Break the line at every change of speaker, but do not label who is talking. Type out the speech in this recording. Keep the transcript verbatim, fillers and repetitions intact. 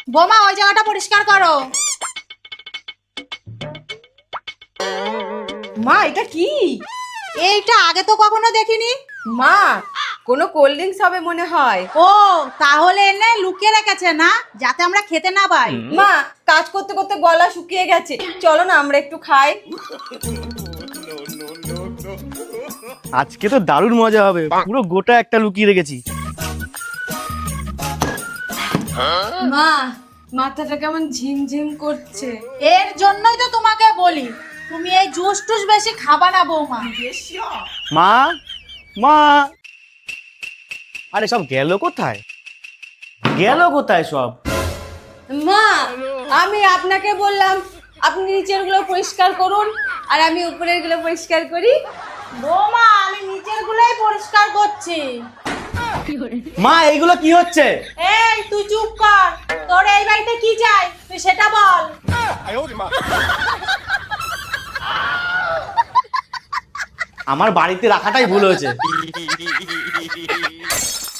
বোমা ওই জায়গাটা পরিষ্কার করো।
মা এটা কি?
এইটা আগে তো কখনো দেখিনি।
মা কোনো কোল্ড ড্রিঙ্কস হবে মনে হয়।
ও তাহলে এনে লুকিয়ে রেখেছে না, যাতে আমরা খেতে না পাই।
মা কাজ করতে করতে গলা শুকিয়ে গেছে, চলো না আমরা একটু খাই।
আজকে তো দারুণ মজা হবে, পুরো গোটা একটা লুকিয়ে রেখেছি।
মা মাথাটা কেমন ঝিমঝিম করছে।
এর জন্যই তো তোমাকে বলি তুমি এই জুস টুস বেশি খাবা না বৌমা।
মা মা আরে সব গেল কোথায়, গেল কোথায় সব?
মা আমি আপনাকে বললাম আপনি নিচের গুলো পরিষ্কার করুন আর আমি উপরের গুলো পরিষ্কার করি।
বৌমা আমি নিচের গুলোই পরিষ্কার করছি।
মা এইগুলো কি হচ্ছে?
এই তুই চুপ কর, তোর এই বাড়িতে কি চাই তুই সেটা বল।
আমার বাড়িতে রাখাটাই ভুল হয়েছে।